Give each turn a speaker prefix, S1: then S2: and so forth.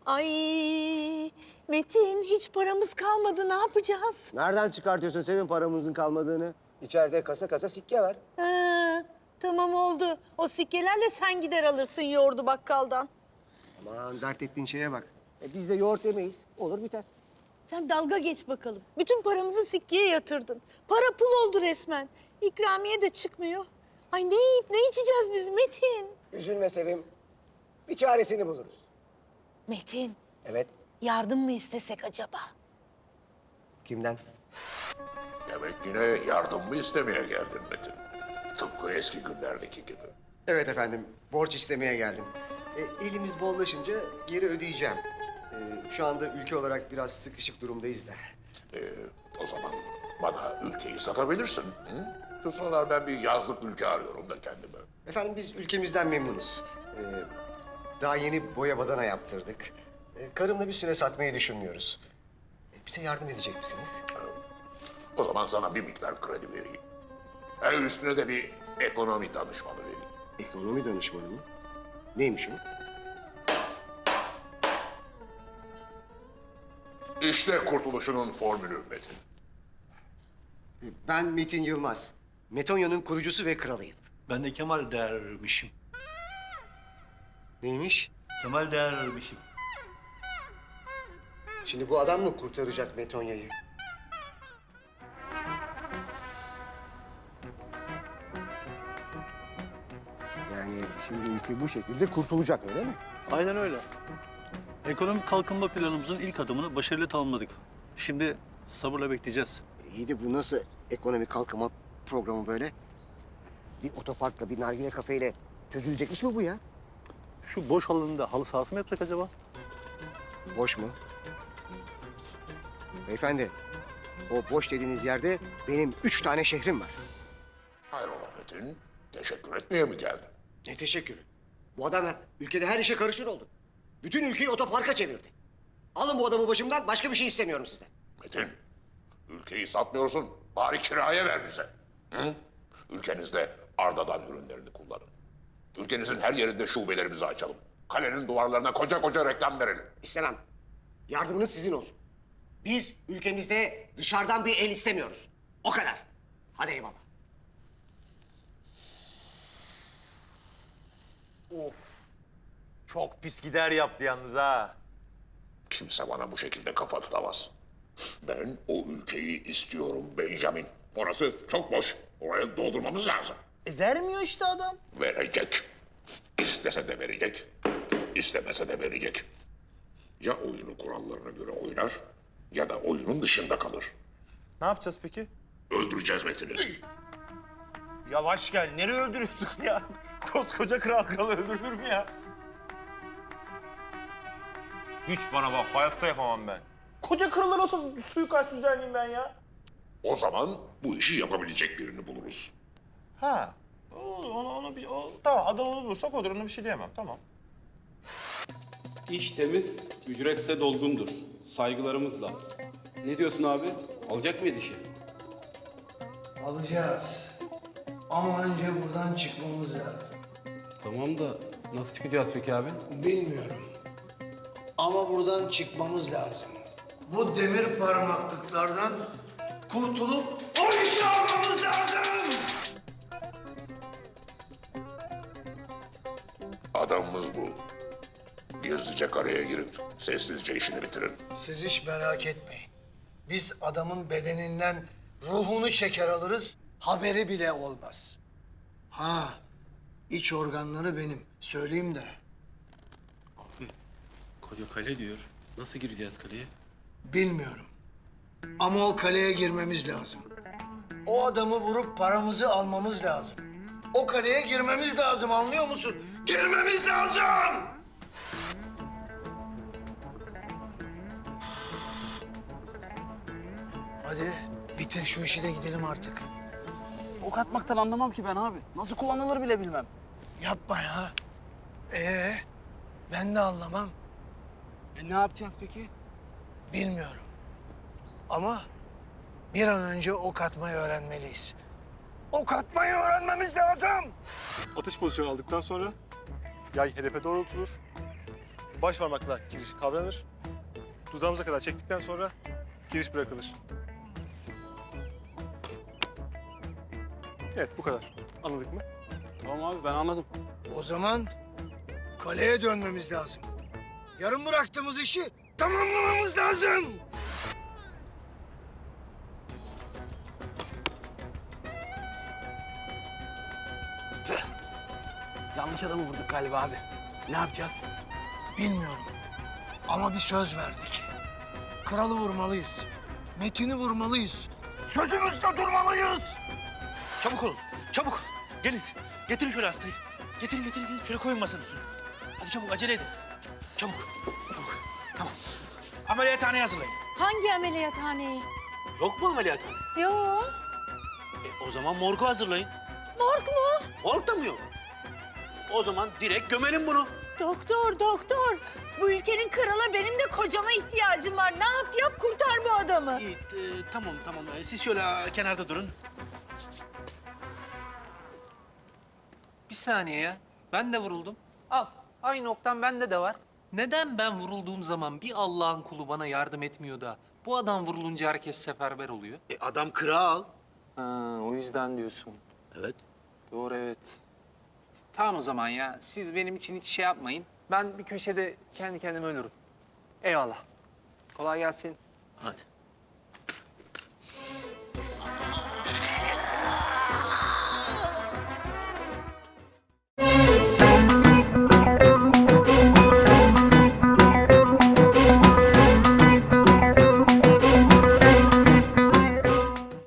S1: Ay Metin, hiç paramız kalmadı, ne yapacağız?
S2: Nereden çıkartıyorsun Sevim paramızın kalmadığını? İçeride kasa kasa sikke var.
S1: Ha, tamam oldu. O sikkelerle sen gider alırsın yoğurdu bakkaldan.
S2: Aman dert ettiğin şeye bak. Biz de yoğurt yemeyiz. Olur biter.
S1: Sen dalga geç bakalım. Bütün paramızı sikkeye yatırdın. Para pul oldu resmen. İkramiye de çıkmıyor. Ay ne yiyip ne içeceğiz biz Metin?
S2: Üzülme Sevim. Bir çaresini buluruz.
S1: Metin,
S2: Evet.
S1: yardım mı istesek acaba?
S2: Kimden?
S3: Demek yine yardım mı istemeye geldin Metin? Tıpkı eski günlerdeki gibi.
S2: Evet efendim. Borç istemeye geldim. Elimiz bollaşınca geri ödeyeceğim. Şu anda ülke olarak biraz sıkışık durumdayız da.
S3: O zaman bana ülkeyi satabilirsin. Hı? Şu sıralar ben bir yazlık ülke arıyorum da kendime.
S2: Efendim biz ülkemizden memnunuz. Daha yeni boya badana yaptırdık. Karımla bir süre satmayı düşünmüyoruz. Bize yardım edecek misiniz?
S3: O zaman sana bir miktar kredi vereyim. Üstüne de bir ekonomi danışmanı vereyim.
S2: Ekonomi danışmanı mı? Neymiş o?
S3: İşte kurtuluşunun formülü Metin.
S2: Ben Metin Yılmaz. Metonya'nın kurucusu ve kralıyım.
S4: Ben de Kemal Derviş'im.
S2: Neymiş?
S4: Kemal Derviş'im.
S2: Şimdi bu adam mı kurtaracak Metonya'yı? Yani şimdi ülke bu şekilde kurtulacak öyle mi?
S4: Aynen öyle. Ekonomik kalkınma planımızın ilk adımını başarıyla tamamladık. Şimdi sabırla bekleyeceğiz.
S2: İyi de bu nasıl ekonomik kalkınma programı böyle? Bir otoparkla, bir nargile kafeyle çözülecek iş mi bu ya?
S4: Şu boş alanında halı sahası mı yapsak acaba?
S2: Boş mu? Beyefendi, o boş dediğiniz yerde benim 3 tane şehrim var.
S3: Hayrola Metin? Teşekkür etmeye mi geldin?
S2: Ne teşekkürü? Bu adam ülkede her işe karışır oldu. Bütün ülkeyi otoparka çevirdi. Alın bu adamı başımdan, başka bir şey istemiyorum sizden.
S3: Metin, ülkeyi satmıyorsun. Bari kiraya ver bize. Hı? Ülkenizde Arda'dan ürünlerini kullanın. Ülkenizin her yerinde şubelerimizi açalım. Kalenin duvarlarına koca koca reklam verelim.
S2: İstemem. Yardımınız sizin olsun. Biz ülkemizde dışarıdan bir el istemiyoruz. O kadar. Hadi eyvallah.
S5: Çok pis gider yaptı yalnız ha.
S3: Kimse bana bu şekilde kafa tutamaz. Ben o ülkeyi istiyorum Benjamin. Orası çok boş. Oraya doldurmamız lazım.
S5: Vermiyor işte adam.
S3: Verecek. İstese de verecek. İstemese de verecek. Ya oyunu kurallarına göre oynar ya da oyunun dışında kalır.
S5: Ne yapacağız peki?
S3: Öldüreceğiz Metin'i.
S5: Yavaş gel. Nereye öldürüyorsun ya? Koskoca kral öldürülür mü ya? Hiç bana bak. Hayatta yapamam ben. Koca krallar olsa suikast düzenleyeyim ben ya.
S3: O zaman bu işi yapabilecek birini buluruz.
S5: Ha. Tamam adam onu bulursak olur. Ona bir şey diyemem. Tamam.
S6: İş temiz, ücretse dolgundur. Saygılarımızla. Ne diyorsun abi? Alacak mıyız işi?
S7: Alacağız. Ama önce buradan çıkmamız lazım.
S6: Tamam da nasıl çıkacağız peki abi?
S7: Bilmiyorum. Ama buradan çıkmamız lazım. Bu demir parmaklıklardan kurtulup o işi almamız lazım.
S3: Adamımız bu. Gizlice karaya girip sessizce işini bitirin.
S7: Siz hiç merak etmeyin. Biz adamın bedeninden ruhunu çeker alırız, haberi bile olmaz. Ha, iç organları benim. Söyleyeyim de.
S6: Koca kale diyor. Nasıl gireceğiz kaleye?
S7: Bilmiyorum. Ama o kaleye girmemiz lazım. O adamı vurup paramızı almamız lazım. O kaleye girmemiz lazım, anlıyor musun? Girmemiz lazım! Hadi bitir şu işi de gidelim artık.
S8: Ok atmaktan anlamam ki ben abi. Nasıl kullanılır bile bilmem.
S7: Yapma ya. Ben de anlamam.
S8: Ne yapacağız peki?
S7: Bilmiyorum. Ama bir an önce ok atmayı öğrenmeliyiz. Ok atmayı öğrenmemiz lazım.
S9: Atış pozisyonu aldıktan sonra yay hedefe doğrultulur. baş parmakla giriş kavranır. Dudağımıza kadar çektikten sonra giriş bırakılır. Evet, bu kadar. Anladık mı?
S8: Tamam abi ben anladım.
S7: O zaman kaleye dönmemiz lazım. Yarım bıraktığımız işi tamamlamamız lazım.
S8: Yanlış adamı vurduk galiba abi. Ne yapacağız?
S7: Bilmiyorum. Ama bir söz verdik. Kralı vurmalıyız. Metin'i vurmalıyız. Sözümüzde durmalıyız.
S5: Çabuk olun, çabuk. Gelin, getirin şöyle hastayı. Getirin, getirin, getirin. Şöyle koyun masanın üstüne. Hadi çabuk, acele edin. Çabuk, çabuk. Tamam. Ameliyathaneye hazırlayın.
S1: Hangi ameliyathaneyi?
S5: Yok mu ameliyathane?
S1: Yo.
S5: O zaman morgu hazırlayın.
S1: Morg mu?
S5: Morg da mı yok? O zaman direkt gömelim bunu.
S1: Doktor, doktor. Bu ülkenin kralı benim de kocama ihtiyacım var. Ne yap kurtar bu adamı.
S5: İyi, tamam, tamam. Siz şöyle kenarda durun.
S10: Bir saniye ya. Ben de vuruldum. Al. Aynı oktan bende de var. Neden ben vurulduğum zaman bir Allah'ın kulu bana yardım etmiyor da bu adam vurulunca herkes seferber oluyor?
S5: Adam kral.
S10: Ha, o yüzden diyorsun.
S5: Evet.
S10: Doğru, evet. Tamam o zaman ya. Siz benim için hiç şey yapmayın. Ben bir köşede kendi kendime ölürüm. Eyvallah. Kolay gelsin.
S5: Hadi.